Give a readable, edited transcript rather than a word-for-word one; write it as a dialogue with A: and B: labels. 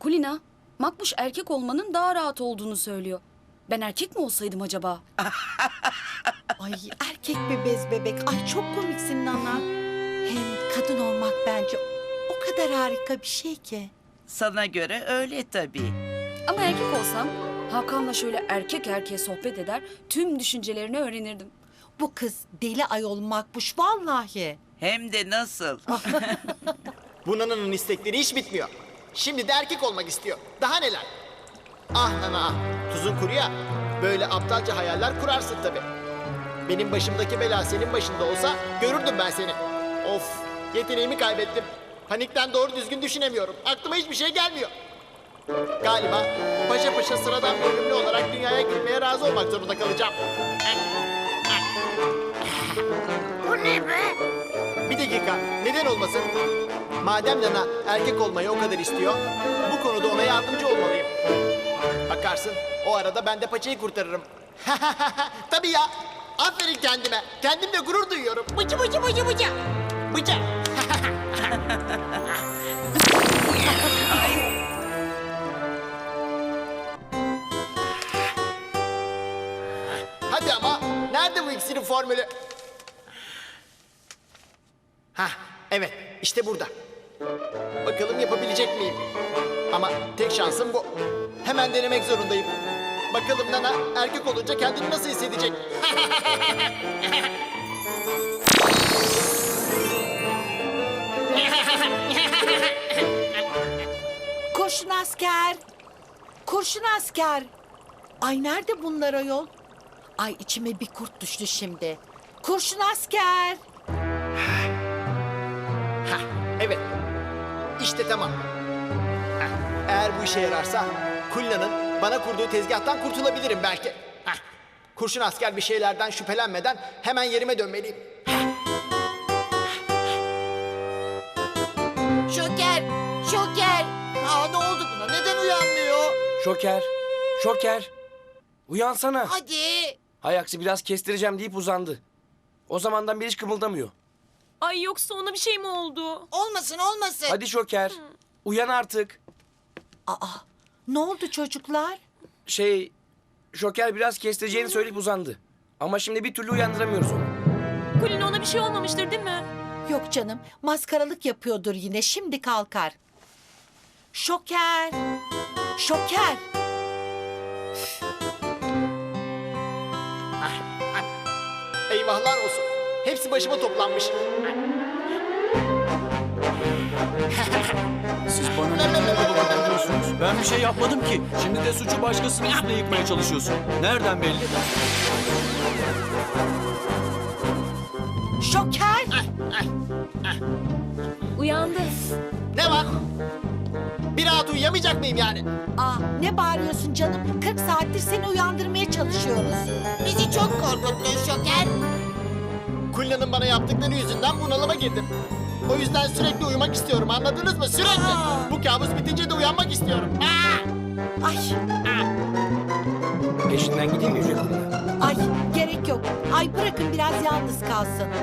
A: Kulina, Makbuş erkek olmanın daha rahat olduğunu söylüyor. Ben erkek mi olsaydım acaba?
B: Ay erkek be bez bebek. Ay çok komiksin Nana. Hem kadın olmak bence o kadar harika bir şey ki.
C: Sana göre öyle tabii.
A: Ama erkek olsam Hakan'la şöyle erkek erkeğe sohbet eder, tüm düşüncelerini öğrenirdim.
B: Bu kız deli ayol Makbuş vallahi.
C: Hem de nasıl?
D: Bu Nana'nın istekleri hiç bitmiyor. Şimdi de erkek olmak istiyor. Daha neler? Ah Nana ah. Tuzun kuru ya. Böyle aptalca hayaller kurarsın tabii. Benim başımdaki bela senin başında olsa görürdüm ben seni. Of, yeteneğimi kaybettim. Panikten doğru düzgün düşünemiyorum. Aklıma hiçbir şey gelmiyor. Galiba paşa paşa sıradan bir ölümlü olarak dünyaya girmeye razı olmak zorunda kalacağım.
E: Bu ne be?
D: Bir dakika, neden olmasın? Madem Nana erkek olmayı o kadar istiyor, bu konuda ona yardımcı olmalıyım. Bakarsın, o arada ben de paçayı kurtarırım. Tabii ya, aferin kendime. Kendimle gurur duyuyorum. Bıcı bıcı bıcı bıcı. Bıcı. Hadi ama, nerede bu iksirin formülü? Hah, evet, işte burada. Bakalım yapabilecek miyim? Ama tek şansım bu. Hemen denemek zorundayım. Bakalım Nana erkek olunca kendini nasıl hissedecek?
B: Kurşun asker. Kurşun asker. Ay nerede bunlar ayol? Ay içime bir kurt düştü şimdi. Kurşun asker.
D: Hah, evet. İşte tamam. Hah, eğer bu işe yararsa Kulina'nın bana kurduğu tezgahtan kurtulabilirim belki. Hah, kurşun asker bir şeylerden şüphelenmeden hemen yerime dönmeliyim.
E: Şoker, şoker.
D: Aa, ne oldu buna? Neden uyanmıyor?
F: Şoker, Şoker. Uyansana.
E: Hadi.
F: Hay aksi biraz kestireceğim deyip uzandı. O zamandan beri hiç kımıldamıyor.
G: Ay yoksa ona bir şey mi oldu?
E: Olmasın olmasın.
F: Hadi Şoker, uyan artık.
B: Aa ne oldu çocuklar?
F: Şoker biraz kestireceğini söyleyip uzandı. Ama şimdi bir türlü uyandıramıyoruz onu.
G: Kulina ona bir şey olmamıştır değil mi?
B: Yok canım maskaralık yapıyordur yine şimdi kalkar. Şoker. Şoker.
D: Eyvahlar olsun. Hepsi başıma toplanmış.
H: Siz bana neden dolandırıyorsunuz? Ben bir şey yapmadım ki. Şimdi de suçu başkasının üstüne yıkmaya çalışıyorsun. Nereden belli?
B: Şoker.
G: Uyandı.
D: Ne var? Bir rahat uyuyamayacak mıyım yani?
B: Aa ne bağırıyorsun canım? 40 saattir seni uyandırmaya çalışıyoruz.
E: Bizi çok korkuttun şoker.
D: Kulina'nın bana yaptıkları yüzünden bunalıma girdim. O yüzden sürekli uyumak istiyorum, anladınız mı? Sürekli. Bu kabus bitince de uyanmak istiyorum.
B: Ay
F: Peşinden gideyim mi Yüce Kulina?
B: ay gerek yok. Ay bırakın biraz yalnız kalsın.